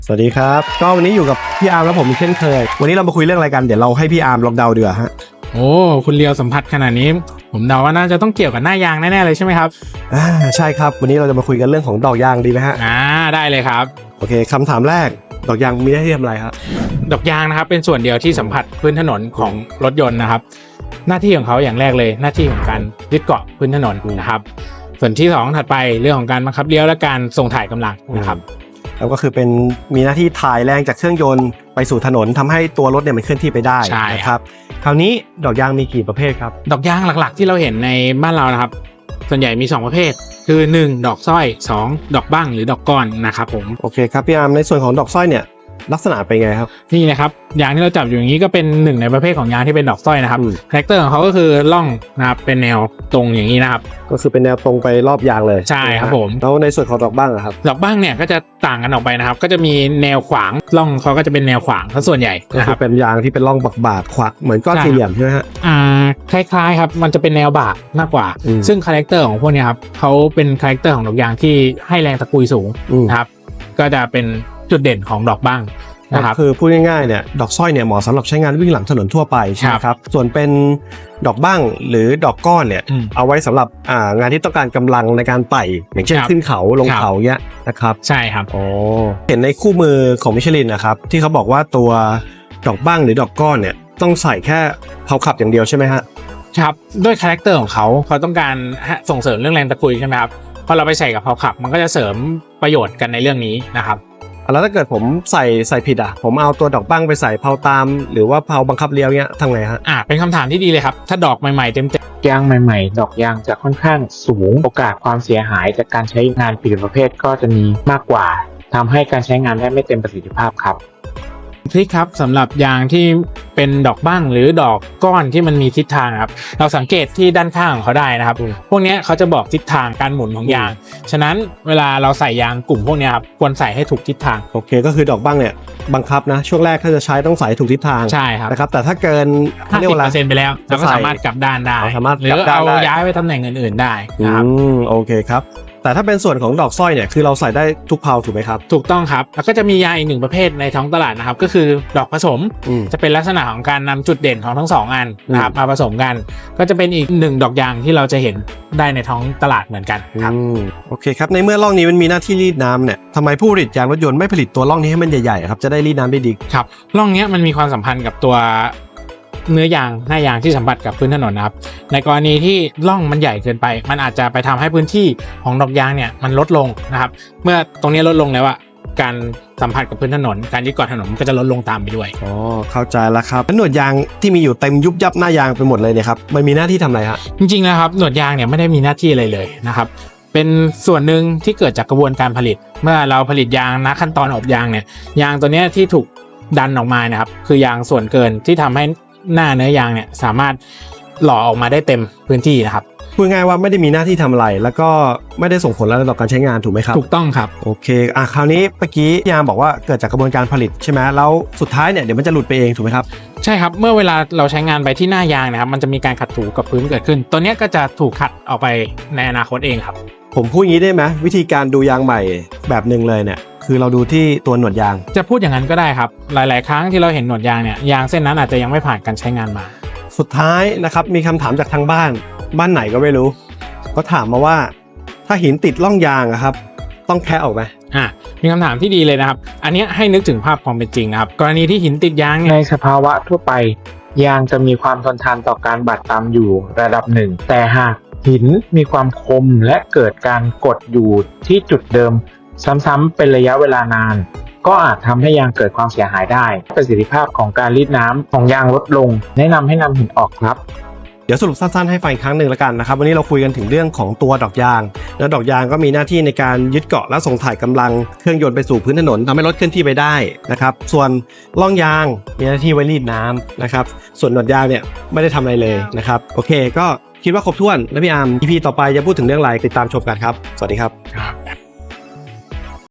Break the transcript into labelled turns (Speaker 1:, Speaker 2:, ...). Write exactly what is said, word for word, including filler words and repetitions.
Speaker 1: สวัสดีครับก็วันนี้อยู่กับพี่อาร์มและผมเช่นเคยวันนี้เรามาคุยเรื่องอะไรกันเดี๋ยวเราให้พี่อาร์มลองเดาดีกว่าฮะ
Speaker 2: โอ้คุณเลียวสัมผัสขนาดนี้ผมเดาว่าน่าจะต้องเกี่ยวกับหน้ายางแน่ๆเลยใช่ไหมครับ
Speaker 1: อ่าใช่ครับวันนี้เราจะมาคุยกันเรื่องของดอกยางดีไหมฮะ
Speaker 2: อ่าได้เลยครับ
Speaker 1: โอเคคำถามแรกดอกยางมีหน้าที่ทำอะไรครับ
Speaker 2: ดอกยางนะครับเป็นส่วนเดียวที่สัมผัสพื้นถนนของรถยนต์นะครับหน้าที่ของเขาอย่างแรกเลยหน้าที่ของการยึดเกาะพื้นถนนนะครับส่วนที่สองถัดไปเรื่องของการบังคับเลี้ยวและการส่งถ่ายกำลังนะครับ
Speaker 1: แล้วก็คือเป็นมีหน้าที่ถ่ายแรงจากเครื่องยนต์ไปสู่ถนนทำให้ตัวรถเนี่ยมันเคลื่อนที่ไปได้นะครับคราวนี้ดอกยางมีกี่ประเภทครับ
Speaker 2: ดอกยางหลักๆที่เราเห็นในบ้านเรานะครับส่วนใหญ่มีสองประเภทคือหนึ่งดอกสร้อยสองดอกบั้งหรือดอกก้อนนะครับผม
Speaker 1: โอเคครับพี่อาร์มในส่วนของดอกสร้อยเนี่ยลักษณะเป็นไงครับ
Speaker 2: นี่นะครับยางที่เราจับอยู่อย่างนี้ก็เป็นหนึ่งในประเภทของยางที่เป็นดอกสร้อยนะครับคาแรคเตอร์ของเขาก็คือล่องนะครับเป็นแนวตรงอย่างนี้นะครับ
Speaker 1: ก็คือเป็นแนวตรงไปรอบยางเลย
Speaker 2: ใช่ครับผม
Speaker 1: แล้วในส่วนของดอกบั้งครับ
Speaker 2: ดอกบั้งเนี่ยก็จะต่างกันออกไปนะครับก็จะมีแนวขวางล่องเขาก็จะเป็นแนวขวางส่วนใหญ่
Speaker 1: ก็คือเป็นยางที่เป็นร่องบากๆขวางเหมือนก้อนสี่เหลี่ยมใช่ไหมฮะ
Speaker 2: อ่าคล้ายๆครับมันจะเป็นแนวบากมากกว่าซึ่งคาแรคเตอร์ของพวกนี้ครับเขาเป็นคาแรคเตอร์ของดอกยางที่ให้แรงตะกุยสูงนะครับก็จะเป็นจุดเด่นของดอกบั้ง
Speaker 1: นะครับคือพูดง่ายๆเนี่ยดอกสร้อยเนี่ยเหมาะสำหรับใช้งานวิ่งหลังถนนทั่วไปใช่ไหมครับส่วนเป็นดอกบั้งหรือดอกก้อนเนี่ยเอาไว้สำหรับอ่างานที่ต้องการกำลังในการไต่อย่างเช่นขึ้นเขาลงเขาเงี้ยนะครับ
Speaker 2: ใช่ครับ
Speaker 1: อ๋อเห็นในคู่มือของมิชลินนะครับที่เขาบอกว่าตัวดอกบั้งหรือดอกก้อนเนี่ยต้องใส่แค่เพลาขับอย่างเดียวใช่ไหมฮะ
Speaker 2: ครับด้วยคาแรคเตอร์ของเขาเขาต้องการส่งเสริมเรื่องแรงตะกุยใช่ไหมครับพอเราไปใส่กับเพลาขับมันก็จะเสริมประโยชน์กันในเรื่องนี้นะครับ
Speaker 1: แล้วถ้าเกิดผมใส่ใส่ผิดอ่ะผมเอาตัวดอกบั้งไปใส่เพลาตามหรือว่าเพลาบังคับเลี้ยวเงี้ยทำไงฮะ
Speaker 2: อ่าเป็นคำถามที่ดีเลยครับถ้าดอกใหม่ๆเต็ม
Speaker 3: ๆยางใหม่ๆดอกยางจะค่อนข้างสูงโอกาสความเสียหายจากการใช้งานผิดประเภทก็จะมีมากกว่าทำให้การใช้งานได้ไม่เต็มประสิทธิภาพครับ
Speaker 2: ทริคครับสำหรับยางที่เป็นดอกบั้งหรือดอกก้อนที่มันมีทิศทางครับเราสังเกตที่ด้านข้างของเขาได้นะครับพวกนี้เขาจะบอกทิศทางการหมุนของยางฉะนั้นเวลาเราใส่ยางกลุ่มพวกนี้ครับควรใส่ให้ถูกทิศทาง
Speaker 1: โอเคก็คือดอกบั้งเนี่ยบังคับนะช่วงแรกถ้าจะใช้ต้องใส่ถูกทิศทาง
Speaker 2: ใช่ครับ
Speaker 1: นะครับแต่ถ้าเกิน
Speaker 2: ห้าสิบเปอร์เซ็นต์ ไปแล้วเราก็สามารถกลับด้านได้หรือเอาย้ายไปตำแหน่งอื่นๆได้นะครับ
Speaker 1: โอเคครับแต่ถ้าเป็นส่วนของดอกสร้อยเนี่ยคือเราใส่ได้ทุกเพลาถูกไหมครับ
Speaker 2: ถูกต้องครับแล้วก็จะมียางอีกหนึ่งประเภทในท้องตลาดนะครับก็คือดอกผสมจะเป็นลักษณะของการนำจุดเด่นของทั้งสองอันนะครับมาผสมกันก็จะเป็นอีกหนึ่งดอกยางที่เราจะเห็นได้ในท้องตลาดเหมือนกันครับ
Speaker 1: โอเคครับในเมื่อร่องนี้มันมีหน้าที่รีดน้ำเนี่ยทำไมผู้ผลิตยางรถยนต์ไม่ผลิตตัวร่องนี้ให้มันใหญ่ๆครับจะได้รีดน้ำได้ดี
Speaker 2: ครับร่องนี้มันมีความสัมพันธ์กับตัวเนื้อยางหน้ายางที่สัมผัสกับพื้นถนนนะครับในกรณีที่ร่องมันใหญ่เกินไปมันอาจจะไปทำให้พื้นที่ของดอกยางเนี่ยมันลดลงนะครับเมื่อตรงนี้ลดลงแล้วอะการสัมผัสกับพื้นถนนการยึดเกาะถนนก็จะลดลงตามไปด้วย
Speaker 1: อ๋อเข้าใจแล้วครับหนวดยางที่มีอยู่เต็มยุบยับหน้ายางไปหมดเลยเนี่ยครับมันมีหน้าที่ทำอะไรฮะ
Speaker 2: จริงๆนะครับหนวดยางเนี่ยไม่ได้มีหน้าที่อะไรเลยนะครับเป็นส่วนหนึ่งที่เกิดจากกระบวนการผลิตเมื่อเราผลิตยางนะขั้นตอนอบยางเนี่ยยางตัวนี้ที่ถูกดันออกมานะครับคือยางส่วนเกินที่ทำให้หน้าเนื้อยางเนี่ยสามารถหล่อออกมาได้เต็มพื้นที่นะครับ
Speaker 1: พูดง่ายว่าไม่ได้มีหน้าที่ทำอะไรแล้วก็ไม่ได้ส่งผลอะไรต่อการใช้งานถูกไหมครับ
Speaker 2: ถูกต้องครับ
Speaker 1: โอเคอ่ะคราวนี้เมื่อกี้ยางบอกว่าเกิดจากกระบวนการผลิตใช่ไหมแล้วสุดท้ายเนี่ยเดี๋ยวมันจะหลุดไปเองถูกไหมครับ
Speaker 2: ใช่ครับเมื่อเวลาเราใช้งานไปที่หน้ายางนะครับมันจะมีการขัดถูกับพื้นเกิดขึ้นตัวนี้ก็จะถูกขัดออกไปในอนาคตเองครับ
Speaker 1: ผมพูดอย่างนี้ได้ไหมวิธีการดูยางใหม่แบบหนึ่งเลยเนี่ยคือเราดูที่ตัวหนวดยาง
Speaker 2: จะพูดอย่างนั้นก็ได้ครับหลายๆครั้งที่เราเห็นหนวดยางเนี่ยยางเส้นนั้นอาจจะยังไม่ผ่านการใช้งานมา
Speaker 1: สุดท้ายนะครับมีคำถามจากทางบ้านบ้านไหนก็ไม่รู้ก็ถามมาว่าถ้าหินติดร่องยางครับต้องแคะออกไหม
Speaker 2: อ่ามีคำถามที่ดีเลยนะครับอันนี้ให้นึกถึงภาพความเป็นจริงนะครับกรณีที่หินติดยาง
Speaker 3: ในสภาวะทั่วไปยางจะมีความทนทานต่อการบาดตามอยู่ระดับหนึ่งแต่หากหินมีความคมและเกิดการกดอยู่ที่จุดเดิมซ้ำๆเป็นระยะเวลานานก็อาจทำให้ยางเกิดความเสียหายได้ประสิทธิภาพของการรีดน้ำของยางลดลงแนะนำให้นำหินออกครับ
Speaker 1: เดี๋ยวสรุปสั้นๆให้ฟังอีกครั้งหนึ่งแล้วกันนะครับวันนี้เราคุยกันถึงเรื่องของตัวดอกยางแล้วดอกยางก็มีหน้าที่ในการยึดเกาะและส่งถ่ายกำลังเครื่องยนต์ไปสู่พื้นถนนทำให้รถเคลื่อนที่ไปได้นะครับส่วนร่องยางมีหน้าที่ไว้รีดน้ำนะครับส่วนหนวดยางเนี่ยไม่ได้ทำอะไรเลยนะครับโอเคก็คิดว่าครบถ้วนแล้วพี่อาร์ม อี พี ต่อไปจะพูดถึงเรื่องอะไรติดตามชมกันครับสวัสดีครับ